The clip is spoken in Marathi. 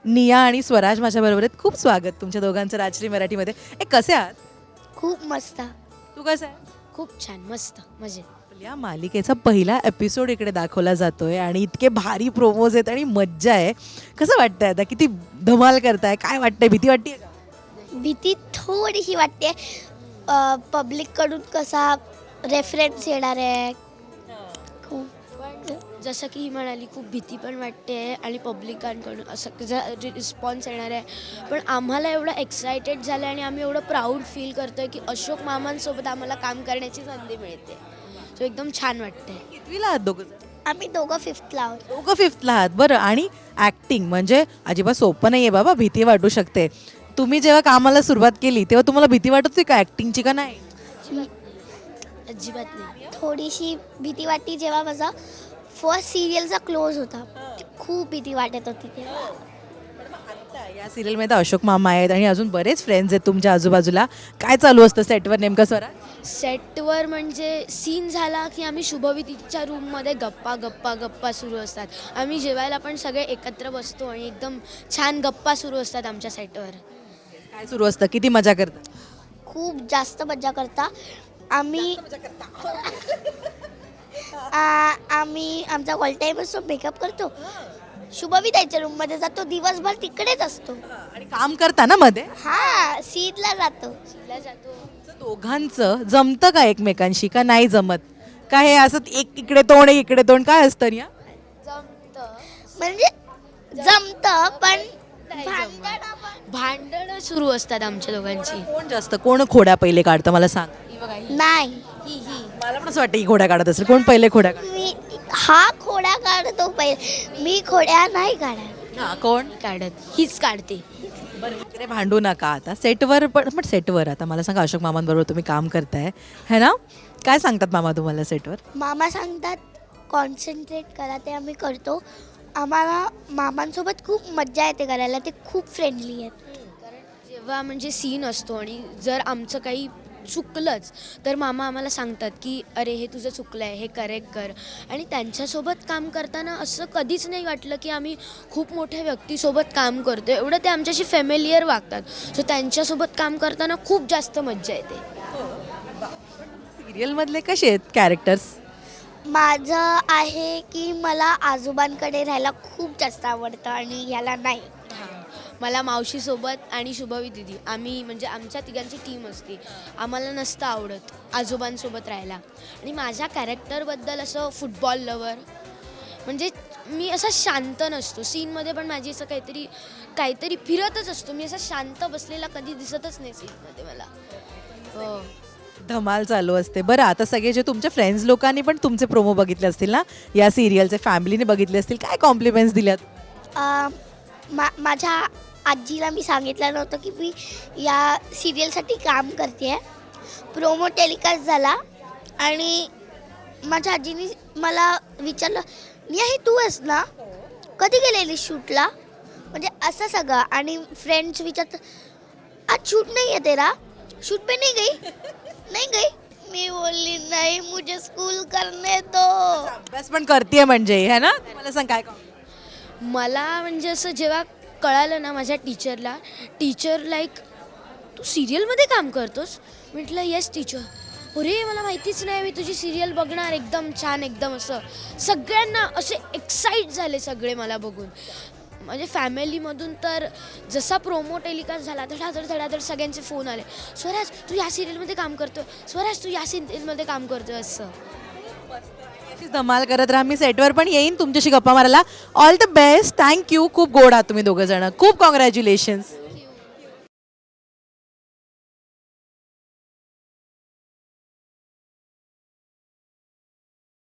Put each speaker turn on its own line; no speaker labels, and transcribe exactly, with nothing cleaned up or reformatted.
निया आणि स्वराज माझ्याबरोबर आहेत. खूप स्वागत तुमच्या दोघांचं राजश्री मराठीमध्ये. ए कसे आहात?
खूप मस्त.
तू कसं आहे?
खूप छान मस्त मजेत.
या मालिकेचा पहिला एपिसोड इकडे दाखवला जातोय आणि इतके भारी प्रोमोज आहेत आणि मज्जा आहे. कसं वाटतंय आता? किती धमाल करताय? काय वाटतंय? भीती वाटते का?
भीती थोडीशी वाटते. पब्लिककडून कसा रेफरन्स येणार आहे. खूप
पण जसं की ही म्हणाली खूप भीती पण वाटते आणि पब्लिकांकडून असं रिस्पॉन्स येणार आहे. पण आम्हाला एवढं एक्सायटेड झालं आणि आम्ही एवढं प्राऊड फील करतोय की अशोक मामांसोबत आम्हाला काम करण्याची संधी मिळते. सो एकदम छान वाटते.
कितवीला आहात दोघं?
आम्ही दोघं फिफ्थला आहोत.
दोघं फिफ्थला आहात. बरं, आणि ॲक्टिंग म्हणजे अजिबात सोपं नाही आहे बाबा, भीती वाटू शकते. तुम्ही जेव्हा कामाला सुरुवात केली तेव्हा तुम्हाला भीती वाटत होती का ॲक्टिंगची का नाही?
अजिबात नाही.
थोडीशी भीती वाटली जेव्हा माझा फर्स्ट सिरियलचा क्लोज होता. खूप भीती वाटत होती तेव्हा.
आता या सिरियलमध्ये तर अशोक मामा आहेत आणि अजून बरेच फ्रेंड्स आहेत तुमच्या आजूबाजूला. काय चालू असतं सेटवर नेमकं स्वरा?
सेटवर म्हणजे सीन झाला की आम्ही शुभविधीच्या रूममध्ये गप्पा गप्पा गप्पा सुरू असतात. आम्ही जेवायला पण सगळे एकत्र बसतो आणि एकदम छान गप्पा सुरू असतात आमच्या सेटवर.
काय सुरू असतं? किती मजा करता?
खूप जास्त मजा करता. आम्ही आ- आम्ही आमचा ऑल टाईम असतो, मेकअप करतो, शुभविद्याच्या रूममध्ये जातो, दिवसभर तिकडेच असतो.
आणि काम करता ना मध्ये?
हा सीदला जातो.
शिला जातो.
दोघांचं जमतं का एकमेकांशी का नाही जमत? काय हे असं एक इकडे तोंड एक इकडे तोंड काय असतं या?
जमतं.
म्हणजे जमतं पण
नाही
भांडणं
जमत.
पण
भांडणं सुरू असतात आमच्या दोघांची.
कोण जास्त कोण खोड्या पहिले काढतं मला सांग.
ही बघा ही
नाही.
ही ही
मला पण असं वाटतं की खोड्या काढत असेल. कोण पहिले खोड्या काढत?
मी हा खोड्या काढतो पहिले, मी खोड्या नाही काढत.
हा, कोण?
काढत हीच काढते.
बरं, इकडे भांडू नका आता. सेटवर पण पण सेटवर आता मला सांगा, अशोक मामांबरोबर तुम्ही काम करताय है ना? काय सांगतात मामा तुम्हाला सेटवर?
मामा सांगतात कॉन्सन्ट्रेट करा, ते आम्ही करतो. आम्हाला मामांसोबत खूप मज्जा येते करायला. ते खूप फ्रेंडली आहेत.
कारण जेव्हा म्हणजे सीन असतो आणि जर आमचं काही चुकलंच तर मामा आम्हाला सांगतात की अरे हे तुझं चुकलं आहे, हे करेक्ट कर. आणि त्यांच्यासोबत काम करताना असं कधीच नाही वाटलं की आम्ही खूप मोठ्या व्यक्तीसोबत काम करतो. एवढं ते आमच्याशी फॅमिलियर वागतात. सो त्यांच्यासोबत काम करताना खूप जास्त मज्जा येते.
सिरियलमधले कसे आहेत कॅरेक्टर्स?
माझं आहे की मला आजोबांकडे राहायला खूप जास्त आवडतं आणि ह्याला नाही.
मला मावशीसोबत आणि शुभवी दिदी आम्ही म्हणजे आमच्या तिघांची टीम असते. आम्हाला नसतं आवडत आजोबांसोबत राहायला. आणि माझ्या कॅरेक्टरबद्दल असं फुटबॉल लवर म्हणजे मी असा शांत नसतो. सीनमध्ये पण माझी असं काहीतरी काहीतरी फिरतच असतो. मी असा शांत बसलेला कधी दिसतच नाही सीनमध्ये मला. हो.
धमाल चालू असते. बरं, आता सगळे जे तुमच्या फ्रेंड्स लोकांनी पण तुमचे प्रोमो बघितले असतील ना या सिरियलचे, फॅमिलीने बघितले असतील, काय कॉम्प्लिमेंट्स दिल्यात?
अं, मा माझ्या आजीला मी सांगितलं नव्हतं की मी या सिरियलसाठी काम करते आहे. प्रोमो टेलिकास्ट झाला आणि माझ्या आजीने मला विचारलं, निया हे तू आहेस ना, कधी गेलेली शूटला? म्हणजे असं सगळं. आणि फ्रेंड्स विचारतात, आज शूट नाही आहे तेरा, शूट पे नहीं गई नहीं गई. मी बोलली नाही, मुझे स्कूल करने दो.
अभ्यास पण करते म्हणजे है ना? मला सांग काय काम?
मला म्हणजे असं जेव्हा कळालं ना माझ्या टीचरला, टीचर लाईक तू सिरियलमध्ये काम करतोस? म्हटलं येस टीचर. अरे मला माहितीच नाही, मी तुझी सिरियल बघणार. एकदम छान, एकदम असं सगळ्यांना असे एक्साईट झाले सगळे मला बघून. म्हणजे फॅमिलीमधून तर जसा प्रोमो टेलिकास्ट झाला धडाधड धडाधड सगळ्यांचे फोन आले, स्वराज तू या सिरियलमध्ये काम करतोय, स्वराज तू या सिरियलमध्ये काम करतोय असं.
अशीच धमाल करत राहा. मी सेटवर पण येईन तुमच्याशी गप्पा मारायला. All the best. थँक्यू. खूप गोड आहात तुम्ही दोघं जण. खूप कॉंग्रॅच्युलेशन्स.